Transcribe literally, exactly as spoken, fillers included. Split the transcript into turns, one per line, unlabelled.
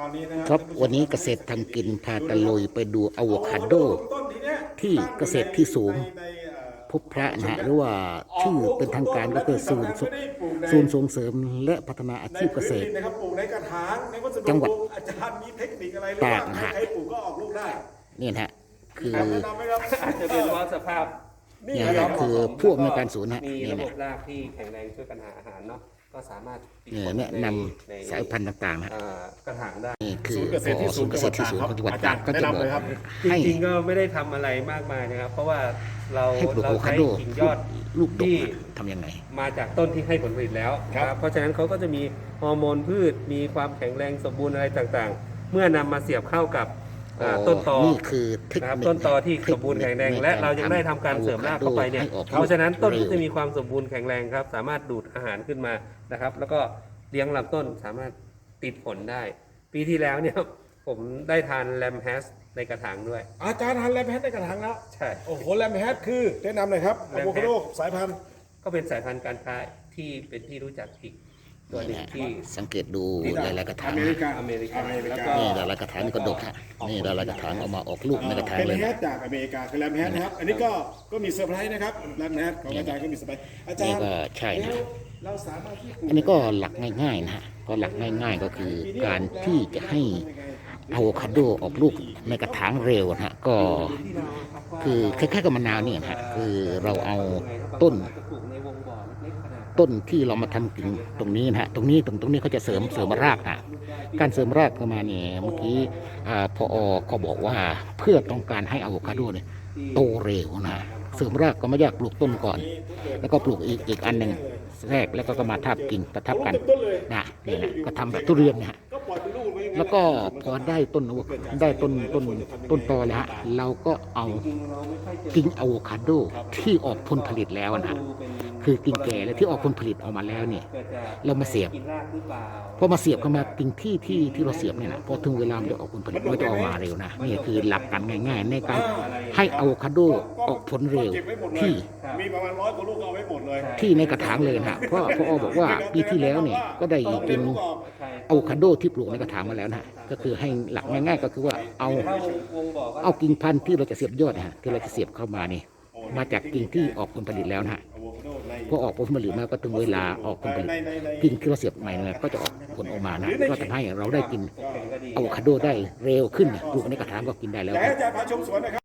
อนนี้นะค
ค
รั
รั
บบ
วันนี้เกษตรทำกินพาตะลุยไปดูอะโวคาโดที่เกษตรที่สูงพบพระนะฮะหรือว่าชื่อเป็นทางการก็คือศูนย์ศูนย์ส่งเสริมและพัฒนาอาชีพเกษตรจังหวัดตากนะฮะนี่นะฮะคือ
อาจจะเป็นเพราะสภาพ
นี่นะคือผู้อำนวยการศูนย์นะ
มี
นี่
ระบ
นะ
บรากที่แข็งแรงช่วยกันหาอาหารเนาะก็สามารถติด
เนี่ย
ผล
แนะน
ใน
ำสายพันธุ์ต่างๆนะ
เอ่อกระถางได้
นี่คือ
ศูนย์เกษตรที่
ศูนย์เกษตรที่สูงของจังหวัดตากก็จะบอก
จ
ให้
ริงๆก็ไม่ได้ทำอะไรมากมายนะครับ เพราะว่าเรา
ให้ปลูก
เรา
อะโวคา
ใช้
โด
กิ่งยอด
ลูกดก
ที่
ทำยังไง
มาจากต้นที่ให้ผลผลิตแล้วนะครับเพราะฉะนั้นเขาก็จะมีฮอร์โมนพืชมีความแข็งแรงสมบูรณ์อะไรต่างๆ เมื่อนำมาเสียบเข้ากับอ่าต้นตอ
นี่คือเทค
นะครับ
นิค
ต้นตอที่สมบูรณ์แข็งแรงและเรายังได้ทำการเสริมรากเข้าไปเนี่ยเพราะฉะนั้นต้นก็จะมีความสมบูรณ์แข็งแรงครับสามารถดูดอาหารขึ้นมานะครับ แล้วก็เลี้ยงลำต้นสามารถติดผลได้ ปีที่แล้วเนี่ยผมได้ทานแลมแฮสในกระถางด้วย
อาจารย์ทันแลมแฮทในกระถางแล้ว
ใช่
โอ้โหแลมแฮทคือแนะนำหน่อยครับอะโวคาโดสายพันธุ์
ก็เป็นสายพันธุ์การค้าที่เป็นที่รู้จักอีกตัวหนึ่งที่
สังเกตดูหลายๆกระถาง
อเมริกา
อเมริกา
อเมริ
แล้ว
กา
ก็
นี่หลายๆกระถางนี่ก็ดกฮะนี่หลายๆกระถางเอามาออกลูกในกระถาง
เป็น
เลย
แฮ
นะ
ทจากอเมริกาคือแลมแฮทนะครับ อันนี้ก็ก็มีเซอร์ไพรส์นะครับแลมแฮทของอาจารย์ก็มีเซอร์ไพรส์อาจาร
นี่
ย์
ก็ใช่นะ
เราสามารถที่ปลู
อันนี้ก็หลักง่ายๆนะฮะก็หลักง่ายๆก็คือการที่จะให้อะโวคาโดออกลูกในกระถางเร็วนะฮะก็คือคล้ายๆกับมะนาวเนี่ยนะฮะคือเราเอาต้น
จะปลูกในวงบ่อเล็กๆขนาด
ต้นที่เรามาทำกิ่งตรงนี้นะฮะตรงนี้ตรงตรงนี้เขาจะเสริมเสริมรากนะการเสริมรากเข้ามาเนี่ยเมื่อกี้อ่าพอก็บอกว่าเพื่อต้องการให้อะโวคาโดเนี่ยโตเร็วนะเสริมรากก็ไม่ยากปลูกต้นก่อน แล้วก็ปลูกอีกอีกอันหนึ่งแรกแล้วก็ก็มาทับกิ่งประทับกันนะนี่นะก็ทำแบบทุเรียนนะฮะ
ก็ปล่อยเป็นลูกไว้อย่างนั้น
แล้วก็พอได้ต้นอะโวได้ต้นต้นต้นตอแล้วฮะเราก็เอากิ่งอะโวคาโดที่ออกผลผลิตแล้วนะฮะคือกิ่งแก่และที่ออกผลผลิตออกมาแล้วเนี่ย
เกิดจะ
เรามาเสียบ
กินรากหรือเปล่า
พอมาเสียบเข้ามากิ่งที่ที่ที่เราเสียบเนี่ยนะพอถึงเวลามันจะออกผลผลิตมันก็จะออกมาเร็วนะนี่คือหลักการง่าย ๆ ในการให้อะโวคาโดออกผลเร็ว
ก็บไว้หมดเลย
ที่
มีประมาณร้อยกว่าลูกก็เอาไว้หมดเลย
ที่ในกระถางเลยนะฮะเพราะพอบอกว่าปีที่แล้วเนี่ยก็ได้กินอะโวคาโดที่ปลูกในกระถางมาแล้วนะฮะก็คือให้หลักง่าย ๆ ก็คือว่าเอา
ถ้าวงวงบ่อก็
เอากิ่งพันธุ์ที่เราจะเสียบยอดนะฮะที่เราจะเสียบเข้ามานี่มาจากกิ่งที่ออกผลผลิตแล้วนะฮะ
อะโวคาโดใน
พอออกผลผลิตมาก็ถึงเวลาออกผลผลิตกิ่งที่เราเสียบใหม่เนี่ยก็จะออกผลออกมานะก็ทำให้เราได้กินอะโวคาโดได้เร็วขึ้นปลูกในกระถางก็กินได้แล้ว
แต่
ครับ
อาจารย์พาชมสวนนะครับ